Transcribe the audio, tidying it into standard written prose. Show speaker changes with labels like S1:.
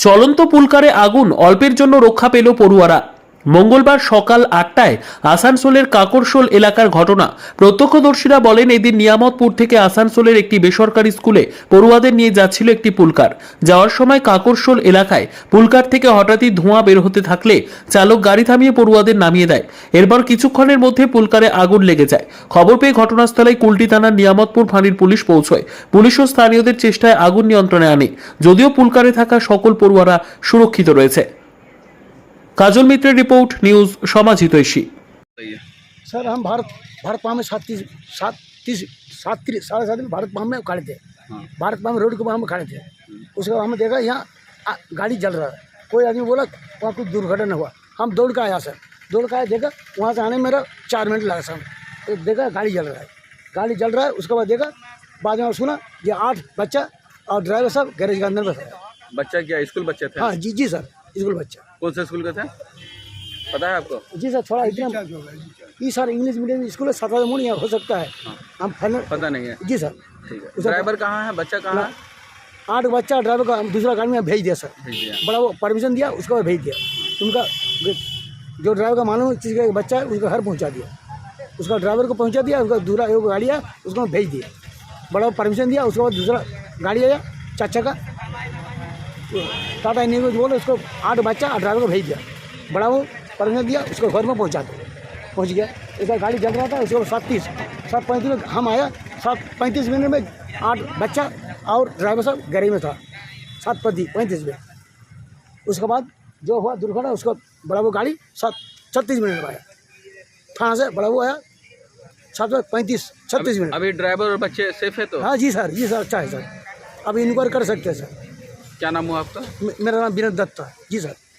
S1: চলন্ত পুলকারে আগুন, অল্পের জন্য রক্ষা পেল পড়ুয়ারা। মঙ্গলবার সকাল 8টায় আসানসোলের কাকরশোল এলাকার ঘটনা। প্রত্যক্ষদর্শীরা বলেন, এদিন নিয়ামতপুর থেকে আসানসোলের একটি বেসরকারি স্কুলে পড়ুয়াদের নিয়ে যাচ্ছিল একটি পুলকার। যাওয়ার সময় কাকরশোল এলাকায় পুলকার থেকে হঠাৎই ধোঁয়া বের হতে থাকলে চালক গাড়ি থামিয়ে পড়ুয়াদের নামিয়ে দেয়। এরপর কিছুক্ষণের মধ্যে পুলকারে আগুন লেগে যায়। খবর পেয়ে ঘটনাস্থলে কুলটি থানার নিয়ামতপুর ফাঁড়ির পুলিশ পৌঁছয়। পুলিশ ও স্থানীয়দের চেষ্টায় আগুন নিয়ন্ত্রণে আনে। যদিও পুলকারে থাকা সকল পড়ুয়ারা সুরক্ষিত রয়েছে। काजल मित्रेर रिपोर्ट, न्यूज समाजितैषी।
S2: सर हम भारत पाम में 7:30 में भारत पाम में खड़े थे। भारत पाम रोड के पाम में खड़े थे। उसके बाद हमने देखा यहाँ गाड़ी जल रहा है। कोई आदमी बोला वहाँ कुछ दुर्घटना हुआ। हम दौड़ के आया सर, दौड़ के आया, देखा वहाँ से आने में मेरा 4 मिनट लगा सर। तो देखा गाड़ी जल रहा है, गाड़ी जल रहा है। उसके बाद देखा, बाद में सुना ये 8 बच्चा और ड्राइवर साहब गैरेज के अंदर बैठा है।
S3: बच्चा क्या स्कूल बच्चे थे?
S2: हाँ जी सर, स्कूल बच्चा।
S3: कौन से स्कूल के थे, पता है आपको?
S2: जी सर, थोड़ा एकदम ये सर इंग्लिश मीडियम स्कूल है, 7 मूड हो सकता है। हम फाइनल
S3: पता नहीं है।
S2: जी सर।
S3: ठीक है, ड्राइवर कहाँ है, बच्चा कहाँ है?
S2: 8 बच्चा, ड्राइवर का दूसरा गाड़ी में भेज दिया सर।
S3: भेज दिया।
S2: बड़ा वो परमिशन दिया, उसको भेज दिया। उनका जो ड्राइवर का मालूम चीज़ का बच्चा है उसका घर पहुंचा दिया, उसका ड्राइवर को पहुंचा दिया। उसका दूसरा एक गाड़ी है उसको भेज दिया, बड़ा परमिशन दिया। उसके बाद दूसरा गाड़ी आया चाचा का, टाटा इंडियन को बोले उसको 8 बच्चा और ड्राइवर को भेज दिया। बड़ा वो परमिशन दिया, उसको घर में पहुंचा दिया, पहुंच गया। इसका गाड़ी जल रहा था। उसके बाद 7:35 में हम आया। 7:35 में 8 बच्चा और ड्राइवर साहब गाड़ी में था 7:35 में। उसके बाद जो हुआ दुर्घटना, उसको बड़ा वो गाड़ी 7:36 में आया थाना से। बड़ा वो आया 7:35-36 मिनट।
S3: अभी ड्राइवर और बच्चे सेफ है तो?
S2: हाँ जी सर, जी सर, अच्छा है सर। अब इंक्वायरी कर सकते हैं सर।
S3: क्या नाम हुआ आपका?
S2: मेरा नाम विनोद दत्ता है जी सर।